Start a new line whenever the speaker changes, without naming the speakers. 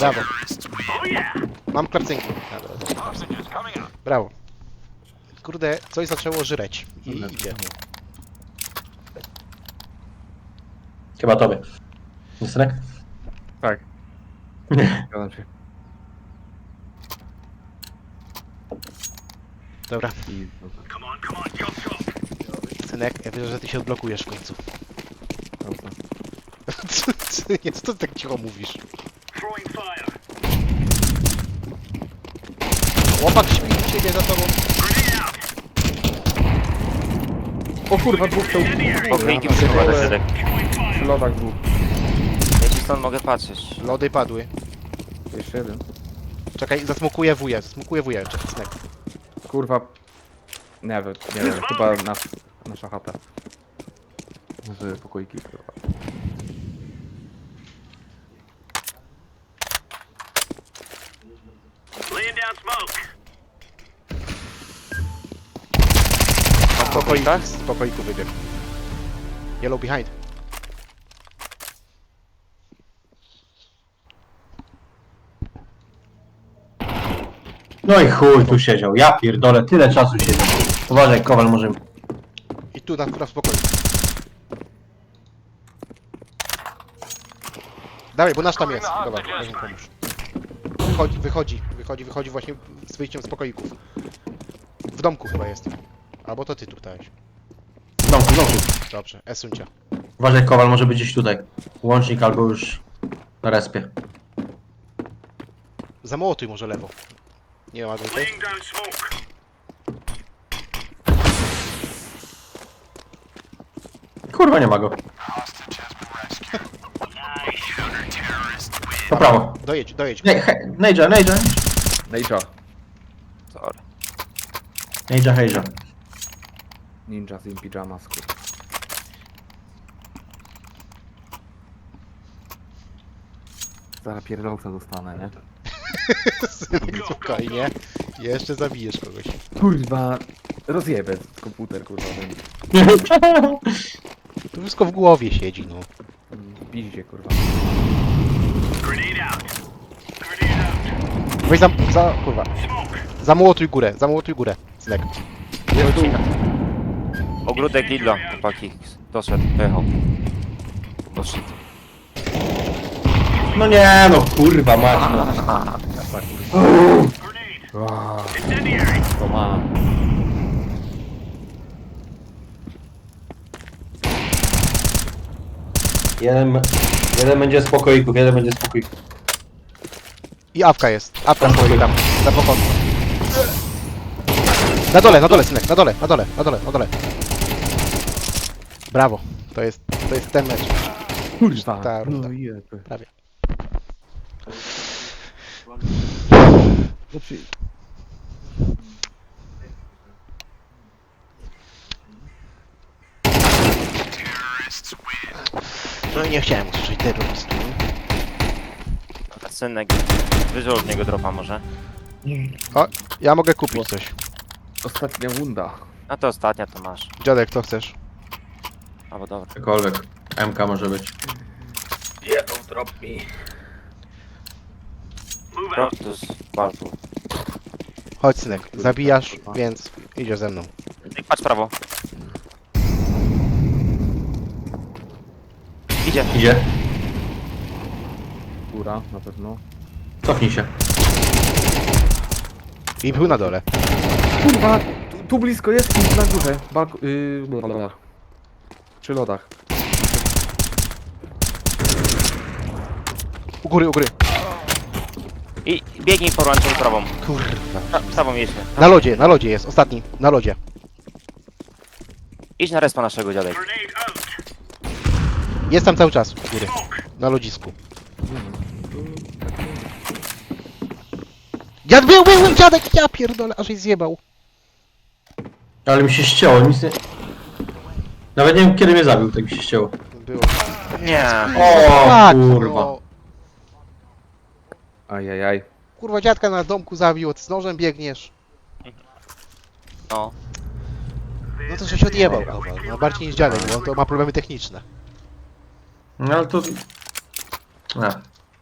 Brawo. Mam klapcynki. Brawo. Kurde, coś zaczęło żreć. I idzie.
Chyba tobie. Synek?
Tak. Zgadzam się.
Dobra.
I...
Synek, ja wierzę, że ty się odblokujesz w końcu.
Dobra.
Co ty tak cicho mówisz? Chłopak śpi, siedzi za tobą.
O kurwa, dwóch to...
Pokryjki przyjmowane środek.
Przy lodach dwóch.
Ja ci stąd mogę patrzeć.
Lody padły.
Jeszcze jeden.
Czekaj, zasmukuję wuja, czekaj, synek.
Kurwa. Nie wiem, chyba nasza chata. Z pokoiki, kurwa.
Na pokojkach?
Z pokoiku wybiegł. Yellow behind.
No i chuj, tu siedział. Ja pierdolę, tyle czasu siedział. Uważaj, Kowal może...
I tu na spokoju. Dawaj, bo nasz tam jest. Dobra, weź mu pomóż. Wychodzi właśnie z wyjściem z pokoików. W domku chyba jest. Albo to ty tu dałeś.
W domku.
Dobrze, Esuncia.
Uważaj, Kowal może być gdzieś tutaj. Łącznik albo już na respie.
Zamołotuj może lewo. Nie ma go tutaj.
Kurwa, nie ma go. Po prawo.
Dojedź.
Nejdża.
Ninja.
Sorry.
Nejdża.
Ninja in pyjamas, kurwa. Zaraz pierdolca dostanę, nie?
Spokojnie. Jeszcze zabijesz kogoś.
Kurwa. Rozjebę komputer, kurwa.
To wszystko w głowie siedzi, no.
Piździe, kurwa.
Weź kurwa. Zamołotuj górę, Synek.
Jest tu.
Ogródek Lidla, chłopaki. Doszedł, pojechał. Doszedł.
No nie, no kurwa, mać.
To ma.
Jeden będzie z pokoików,
I awka jest. Awka stoi tam. Na pokoju. Na dole, Synek. Na dole. Brawo. To jest ten mecz.
Kurwa.
Ta runda.
No jeby.
Prawie.
Znaczy...
No i nie chciałem usłyszeć terrorystu.
Synek, wyżej od niego dropa może.
O, ja mogę kupić coś.
Ostatnia runda.
A to ostatnia to masz.
Dziadek, co chcesz?
Albo dobra.
Cokolwiek. MK może być.
Jedną drop mi.
Protus, waltu.
Chodź, Synek. Zabijasz, więc idziesz ze mną.
Patrz prawo. Idzie.
Góra, na pewno.
Cofnij się.
I był na dole.
Kurwa! Tu blisko jest i na górze. Blablabla. Przy lodach.
U góry.
I biegnij porłączą prawą.
Kurwa.
Prawą jedźmy.
Na lodzie jest, ostatni. Na lodzie.
Idź na respa naszego dziadek.
Jest tam cały czas u góry. Na lodzisku. Był dziadek! Ja pierdolę, aż jej zjebał.
Ale mi się ścięło, nic nie... Nawet nie wiem kiedy mnie zabił, tak mi się ścięło.
Było.
Nie.
O
Tak,
kurwa.
no.
Ajajaj.
Kurwa, dziadka na domku zabił, ty z nożem biegniesz.
No.
No to że się odjebał, kurwa. No bardziej niż dziadek, bo on to ma problemy techniczne.
No ale to...